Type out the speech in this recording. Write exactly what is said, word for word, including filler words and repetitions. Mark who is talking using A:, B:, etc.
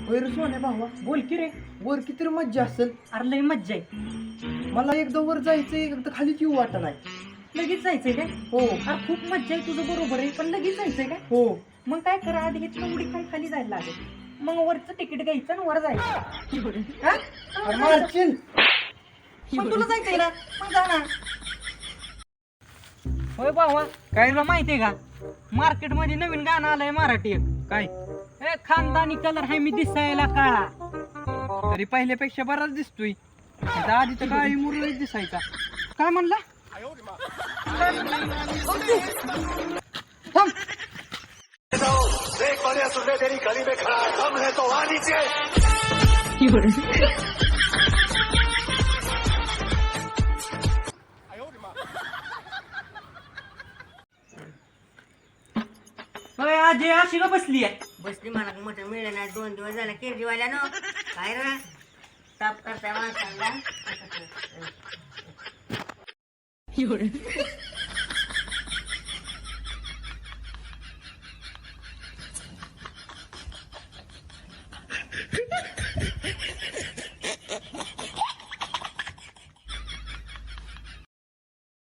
A: वैर सोन्या भावा
B: बोल की रे.
A: वर किती मज्जा असेल.
B: अरे लय मज्जा आहे.
A: मला एकदा वर जायचंय एकदा खाली येऊ वाटत नाही.
B: लगेच जायचंय काय?
A: हो
B: अरे खूप मज्जा आहे तुझं बरोबर आहे, पण लगेच जायचंय काय?
A: हो
B: मग काय करा, आधी इथनं उडी खाली खाली जायला लागेल. मग वरचं तिकीट घ्यायचं आणि वर जायचं. हा?
A: अरे मारशील.
B: पण तुला जायचंय ना, मग जा ना. होय भावा, काय तुला माहितीये का, मार्केट मध्ये नवीन गाणं आलंय मराठी एक.
A: काय
B: ए खानदानी कलर हाय मी दिसायला काळा.
A: तरी पहिल्यापेक्षा बराच दिसतोय. आता आधी तर काळी मुरळी दिसायचा.
B: काय म्हणला?
A: थांब.
C: देख बढ़िया सुनने तेरी गली में खड़ा है, हम है तो आ नीचे.
B: होय आजी अशी का बसली आहे?
D: बसली मला मोठं मिळलं नाही दोन दिवस झाला केजरीवाल्यानं काय रे ताप करता माणसांना